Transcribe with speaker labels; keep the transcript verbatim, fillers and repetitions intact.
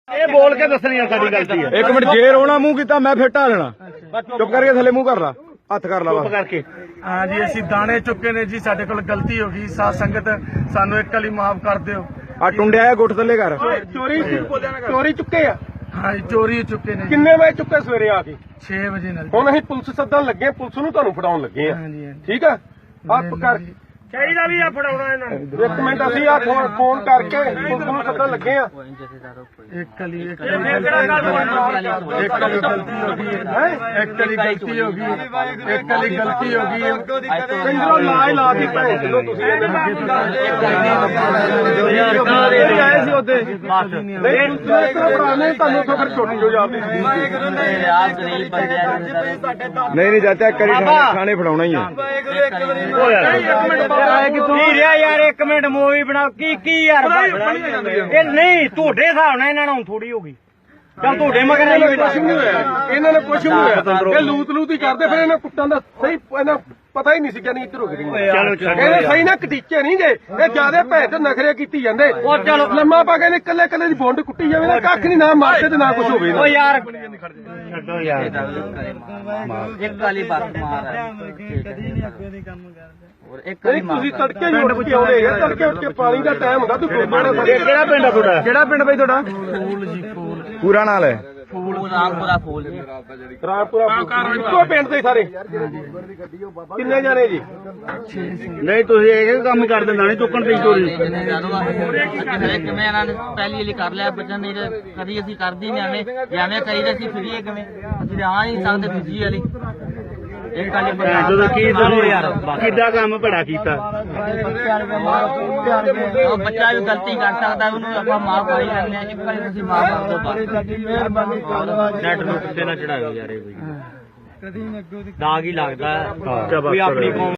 Speaker 1: ਇਹ ਬੋਲ ਕੇ ਦੱਸਣੀ ਆ ਸਾਡੀ ਗਲਤੀ ਹੈ।
Speaker 2: ਇੱਕ ਮਿੰਟ ਜੇ ਰੋਣਾ ਮੂੰਹ ਕੀਤਾ ਮੈਂ ਫਿਰ ਢਾ ਲੈਣਾ। ਚੁੱਪ ਕਰਕੇ ਥੱਲੇ ਮੂੰਹ ਕਰ ਲਾ, ਹੱਥ ਕਰ ਲਾ
Speaker 1: ਚੁੱਪ ਕਰਕੇ।
Speaker 3: ਹਾਂ ਜੀ, ਅਸੀਂ ਦਾਣੇ ਚੁੱਕੇ ਨੇ ਜੀ, ਸਾਡੇ ਕੋਲ ਗਲਤੀ ਹੋ ਗਈ। ਸਾਧ ਸੰਗਤ ਸਾਨੂੰ ਇੱਕ ਵਾਲੀ ਮਾਫ ਕਰ ਦਿਓ।
Speaker 2: ਆ ਟੁੰਡਿਆ ਆ ਗੁੱਟ ਥੱਲੇ ਕਰ।
Speaker 4: ਚੋਰੀ ਚੋਰੀ ਚੁੱਕੇ ਆ।
Speaker 3: ਹਾਂ ਜੀ, ਚੋਰੀ ਚੁੱਕੇ ਨੇ।
Speaker 4: ਕਿੰਨੇ ਵਜੇ ਚੁੱਕੇ ਸਵੇਰੇ ਆ ਕੇ?
Speaker 3: ਛੇ ਵਜੇ ਨਾਲ।
Speaker 4: ਹੁਣ ਅਸੀਂ ਪੁਲਿਸ ਸੱਦਣ ਲੱਗੇ, ਪੁਲਿਸ ਨੂੰ ਤੁਹਾਨੂੰ ਫੜਾਉਣ ਲੱਗੇ ਆ।
Speaker 3: ਹਾਂਜੀ ਹਾਂਜੀ।
Speaker 4: ਠੀਕ ਆ, ਆਪ ਕਰ
Speaker 3: ਚਾਹੀਦਾ ਵੀ ਆ ਫੜਾਉਣਾ ਇਹਨਾਂ ਨੂੰ।
Speaker 4: ਇੱਕ ਮਿੰਟ, ਅਸੀਂ ਆ ਫੋਨ ਕਰਕੇ ਪੁਲਿਸ ਨੂੰ ਸੱਦਣ ਲੱਗੇ ਆ।
Speaker 3: ਇੱਕ ਵਾਲੀ ਇੱਕ ਵਾਲੀ ਇੱਕ ਵਾਲੀ ਗਲਤੀ ਹੋ ਗਈ ਹੈ। ਇੱਕ ਵਾਲੀ ਗਲਤੀ ਹੋ ਗਈ। ਇੱਕ ਵਾਲੀ ਗਲਤੀ ਹੋ ਗਈ।
Speaker 4: ਪਿੰਡੋਂ ਲਾ ਹੀ ਲਾ ਦੀ ਭੈਣ ਜਦੋਂ ਤੁਸੀਂ
Speaker 3: ਆਏ ਸੀ ਉਹਦੇ
Speaker 4: ਨਹੀਂ ਪੁਰਾਣੇ ਤੁਹਾਨੂੰ ਤਾਂ ਫਿਰ ਛੋਟੀ ਜੋ ਜਾਂਦੀ
Speaker 2: ਨਹੀਂ ਨਹੀਂ ਚਾਚਾ ਇੱਕ ਵਾਰੀ ਥਾਣੇ- ਥਾਣੇ ਫੜਾਉਣਾ ਹੀ ਆ।
Speaker 1: ਕੀ ਰਿਹਾ ਯਾਰ, ਇੱਕ ਮਿੰਟ ਮੂਵੀ ਬਣਾ। ਕੀ ਕੀ ਯਾਰ ਇਹ ਨਹੀਂ ਤੁਹਾਡੇ ਹਿਸਾਬ ਨਾਲ ਇਹਨਾਂ ਨੂੰ ਥੋੜੀ ਹੋ ਗਈ। ਚੱਲ ਤੁਹਾਡੇ ਮਗਰ
Speaker 4: ਇਹਨਾਂ ਨੇ ਕੁਛ ਨਹੀਂ ਹੋਇਆ, ਇਹਨਾਂ ਨੇ ਕੁਛ ਨਹੀਂ ਹੋਇਆ। ਇਹ ਲੂਤ ਲੂਤ ਹੀ ਕਰਦੇ, ਫਿਰ ਇਹਨਾਂ ਕੁੱਟਾਂ ਦਾ ਸਹੀ ਇਹਨਾਂ ਪਤਾ ਹੀ ਨਹੀਂ ਸੀ ਕਿ ਨਹੀਂ ਇੱਧਰ ਹੋ ਗਈ। ਇਹ ਸਹੀ ਨਾ ਕਟੀਚੇ ਨਹੀਂ ਗਏ, ਇਹ ਜਿਆਦੇ ਭੈਣ ਤੇ ਨਖਰੇ ਕੀਤੀ ਜਾਂਦੇ। ਉਹ ਚਲੋ ਲੰਮਾ ਪਾ ਕੇ ਨੇ ਕੱਲੇ ਕੱਲੇ ਦੀ ਬੁੰਡ ਕੁੱਟੀ ਜਾਵੇ ਨਾ, ਕੱਖ ਨਹੀਂ, ਨਾ ਮਾਰਦੇ ਤੇ ਨਾ ਕੁਛ ਹੋਵੇ।
Speaker 1: ਓ ਯਾਰ ਛੱਡੋ ਯਾਰ, ਇੱਕ ਵਾਲੀ ਬਾਤ ਮਾਰ
Speaker 4: ਨਹੀਂ ਤੁਸੀਂ ਤੜਕੇ ਹੀ ਉੱਠ ਕੇ ਆਉਂਦੇ ਆ, ਤੜਕੇ ਉੱਠ ਕੇ ਪਾਣੀ ਦਾ ਟਾਈਮ ਹੁੰਦਾ। ਤੂੰ
Speaker 2: ਕਿਹੜਾ ਪਿੰਡ ਆ ਤੁਹਾਡਾ? ਕਿਹੜਾ ਪਿੰਡ ਬਈ ਤੁਹਾਡਾ?
Speaker 3: ਫੂਲ ਜੀ ਫੂਲ।
Speaker 2: ਪੂਰਾ ਨਾਲ ਹੈ?
Speaker 1: ਫੂਲ ਰਾਮਪੁਰਾ ਫੂਲ ਜੀ।
Speaker 4: ਰਾਮਪੁਰਾ ਇੱਕੋ ਪਿੰਡ ਦੇ ਸਾਰੇ ਕਿੰਨੇ ਜਾਣੇ ਜੀ?
Speaker 1: ਨਹੀਂ ਤੁਸੀਂ ਇਹ ਕੰਮ ਕਰ ਦਿੰਦਾ ਨਹੀਂ ਚੁੱਕਣ ਦੀ ਚੋਰੀ।
Speaker 5: ਕਿਵੇਂ ਇਹਨਾਂ ਨੇ ਪਹਿਲੀ ਵਾਲੀ ਕਰ ਲਿਆ ਬੱਚਾ, ਨਹੀਂ ਤੇ ਕਦੀ ਅਸੀਂ ਕਰਦੀ ਨਹੀਂ ਐਵੇਂ ਜਿਵੇਂ ਕਰੀਦਾ ਸੀ ਫਿਰੀਏ ਕਿਵੇਂ ਅਸੀਂ ਆ ਨਹੀਂ ਸਕਦੇ ਦੂਜੀ ਵਾਲੀ ਇੱਕ ਵਾਲੀ
Speaker 1: ਜਦੋਂ ਕੀ ਤੁਸੀਂ ਯਾਰ ਕਿੱਦਾਂ ਕੰਮ ਭੜਾ ਕੀਤਾ।
Speaker 5: ਉਹ ਬੱਚਾ ਵੀ ਗਲਤੀ ਕਰ ਸਕਦਾ, ਉਹਨੂੰ ਆਪਾਂ ਮਾਫ ਕਰ ਹੀ ਲੈਂਦੇ ਹਾਂ। ਇੱਕ ਵਾਰੀ ਤੁਸੀਂ ਮਾਫ ਕਰ ਦਿਓ ਬਸ।
Speaker 1: ਨੈਟ ਨੂੰ ਕਿਤੇ ਨਾ ਚੜਾਇਓ ਯਾਰ, ਇਹ ਕੋਈ ਦਾਗ ਹੀ ਲੱਗਦਾ ਕੋਈ ਆਪਣੀ ਕੌਮ